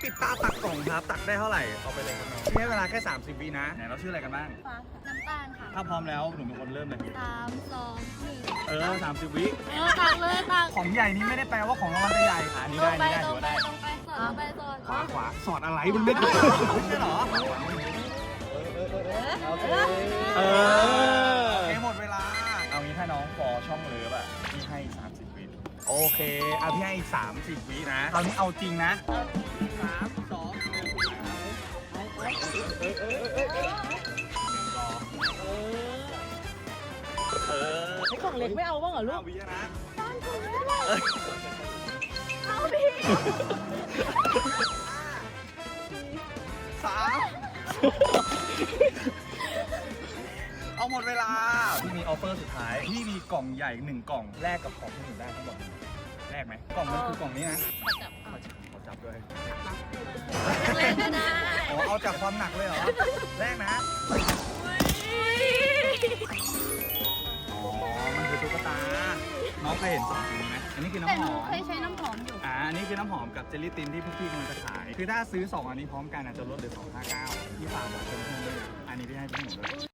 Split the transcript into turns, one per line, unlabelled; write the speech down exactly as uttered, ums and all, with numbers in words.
ปิดตาตักกล่องครับตักได้เท่าไหร่เอาไปเลยครับน้องใช้เวลาแค่สามสิบวินะไหนเราชื่ออะไรกันบ้าง
ฟ้าค่ะน้ำตาลค่ะ
ถ้าพร้อมแล้วหนูเป็นคนเริ่มเลย
สามสองหนึ่ง
เออสามสิบวิ
เออตักเลยตัก
ของใหญ่นี้ไม่ได้แปลว่าของรางวัลจะใหญ่อันนี้
ล
ได้
งไป
นี่ได้
ล
ถือง ว่า
ไป
ได้
ลงไปสอดลงไปสอด
ขวาขวาสอดอะไรมันไม่ถูกไม่ใช่เหรอโอเคเออโอเคหมดเวลาเอางี้ถ้าน้องฟอช่องเลิฟอ่ะพี่ให้สามสิบวิโอเคเอาพี่ให้อีกสามสิบวินะคราวนี้เอาจริงนะสามสองหนึ่งเออ
ไอ้กล่องเล็กไม่เอาบ้างเหรอลู
ห้าก วินะ
เอาพี่
สามเอาหมดเวลาพี่มีออฟเฟอร์สุดท้ายพี่มีกล่องใหญ่หนึ่งกล่องแลกกับของที่หนูได้ทั้งหมดแลกไหมกล่องมันคือกล่องนี้นะ
จับเอา
ขอจับด้วย
เล่นก็ได้
อ๋อเอาจากความหนักเลยเหรอแรกนะอ๋อมันคือตุ๊กตาน้องเคยเห็นสองสีนี้ไหมอันนี้คือ
แต่
น้ำ
ห
ห
นู
อม
เคยใช้น้ำหอมอยู่
อ่าอันนี้คือน้ำหอมกับเจลลี่ตินที่พวกพี่กำลังจะขายคือถ้าซื้อสองอันนี้พร้อมกันอาจจะลดเหลือสองห้าเก้าที่ฝากบอกเพื่อนๆด้วยนะอันนี้พี่ให้พี่หนูด้วย